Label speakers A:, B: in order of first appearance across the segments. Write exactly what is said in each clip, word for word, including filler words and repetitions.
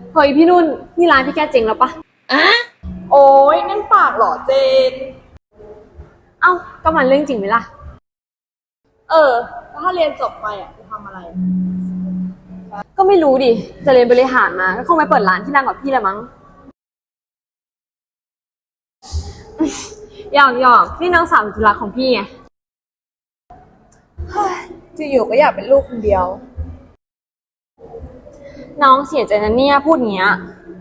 A: เฮ้ยพี่นุ่นนี่ร้านพี่แกเจ๋งแล้วปะ
B: อะโอ้ยนั่นปากเหรอเจน
A: เอ้าก็มันเรื่องจริงไหมล่ะ
B: เออแล้วถ้าเรียนจบไปอ่ะจะทำอะไร
A: ก็ไม่รู้ดิจะเรียนบริหารมาก็คงไปเปิดร้านที่ดังกว่าพี่ละมั้งหยอกหยอกนี่น้องสาวจุฬาของพี่ไง
B: จะอยู่ก็อยากเป็นลูกคนเดียว
A: น้องเสียใจนะเนี่ยพูดอย่างเงี้ย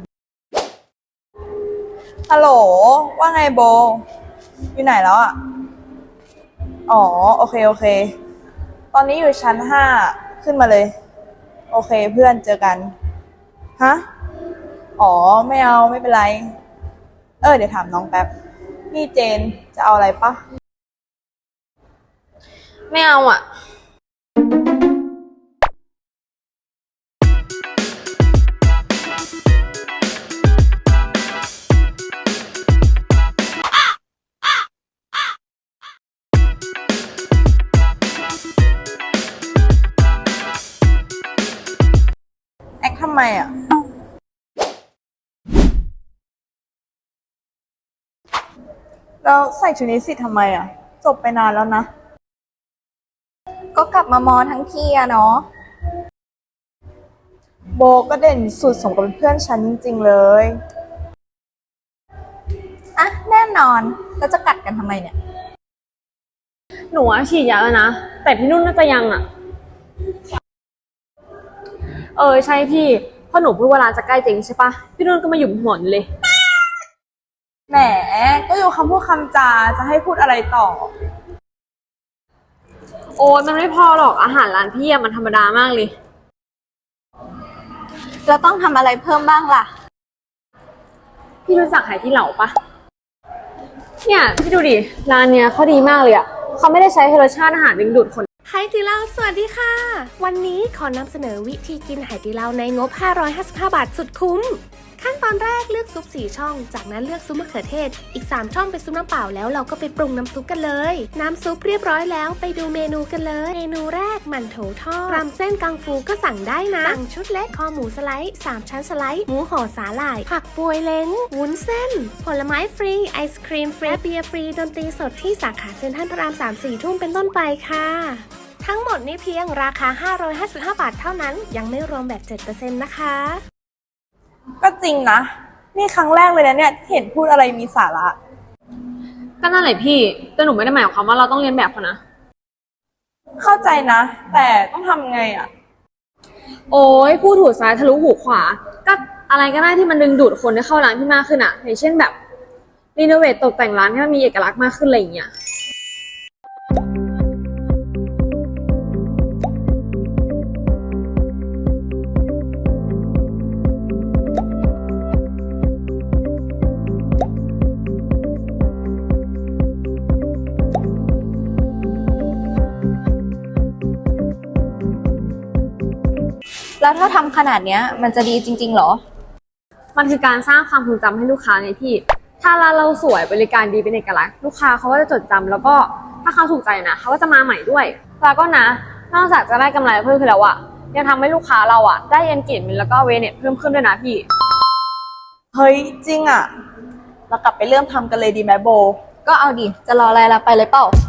B: ฮัลโหลว่าไงโบอยู่ไหนแล้วอ่ะอ๋อโอเคโอเคตอนนี้อยู่ชั้นห้าขึ้นมาเลยโอเคเพื่อนเจอกันฮะอ๋อไม่เอาไม่เป็นไรเออเดี๋ยวถามน้องแป๊บนี่เจนจะเอาอะไรปะ
A: ไม่เอาอ่ะ
B: แอคทำไมอ่ะแล้วใส่ชุดนี้สิทำไมอ่ะจบไปนานแล้วนะ
C: ก็กลับมามอทั้งทีอะเนาะ
B: โบก็เด่นสุดสมกับเป็นเพื่อนฉันจริงๆเลย
C: อ่ะแน่นอนแล้วจะกัดกันทำไมเนี่ย
A: หนูอะฉีดยาแล้วนะแต่พี่นุ่นน่าจะยังอ่ะเออใช่พี่พอหนูพูดว่าร้านจะใกล้เจ๊งใช่ปะพี่นุ่นก็มาหยุมหัวหนูเลย
B: แหมก็อยู่คำพูดคำจาจะให้พูดอะไรต่อ
A: โอ้ยมันไม่พอหรอกอาหารร้านพี่อะมันธรรมดามากเลย
C: เราต้องทำอะไรเพิ่มบ้างล่ะ
A: พี่รู้จักไหที่เหลาปะเนี่ยพี่ดูดิร้านเนี้ยเขาดีมากเลยอะเขาไม่ได้ใช้ให้รสชาติอาหารดึงดูดคน
D: ไหตี้เหล้าสวัสดีค่ะวันนี้ขอนำเสนอวิธีกินไหตี้เหล้าในงบห้าร้อยห้าสิบห้าบาทสุดคุ้มขั้นตอนแรกเลือกซุปสี่ช่องจากนั้นเลือกซุปมะเขือเทศอีกสามช่องเป็นซุปน้ำเปล่าแล้วเราก็ไปปรุงน้ำซุปกันเลยน้ำซุปเรียบร้อยแล้วไปดูเมนูกันเลยเมนูแรกหมั่นโถทอดรำเส้นกังฟูก็สั่งได้นะสั่งชุดเล็กคอหมูสไลด์สามชั้นสไลด์หมูห่อสาหร่ายผักปวยเล้งวุ้นเส้นผลไม้ฟรีไอศครีมฟรีเบียร์ฟรีดนตรีสดที่สาขาเซ็นทรัลพระรามสาม สี่ทุ่มเป็นต้นไปค่ะทั้งหมดนี้เพียงราคาห้าร้อยห้าสิบห้าบาทเท่านั้นยังไม่รวมแบบ เจ็ดเปอร์เซ็นต์ นะคะ
B: ก็จริงนะนี่ครั้งแรกเลยนะเนี่ยเห็นพูดอะไรมีสาระ
A: ก็นั่นแหละพี่แต่หนูไม่ได้หมายความว่าเราต้องเรียนแบบเขานะ
B: เข้าใจนะแต่ต้องทำไงอ่ะ
A: โอ้ยพูดหูซ้ายทะลุหูขวาก็อะไรก็ได้ที่มันดึงดูดคนให้เข้าร้านพี่มากขึ้นอะอย่างเช่นแบบรีโนเวทตกแต่งร้านให้มันมีเอกลักษณ์มากขึ้นอะไรอย่างเงี้ย
C: แล้วถ้าทำขนาดเนี้ยมันจะดีจริงๆหรอ
A: มันคือการสร้างความทรงจำให้ลูกค้าไงพี่ถ้าร้านเราสวยบริการดีเป็นเอกลักษณ์ลูกค้าเขาก็จะจดจำแล้วก็ถ้าเขาถูกใจนะเขาก็จะมาใหม่ด้วยแล้วก็นะนอกจากจะได้กำไรเพิ่มขึ้นแล้วอะยังทำให้ลูกค้าเราอะได้เอนเกจเมนต์แล้วก็เวเนตเพิ่มขึ้นด้วยนะพี่
B: เฮ้ยจริงอ่ะเรากลับไปเริ่มทำกันเลยดีไหมโบ
C: ก็เอาดิจะรออะไรล่ะไปเลยเปล่า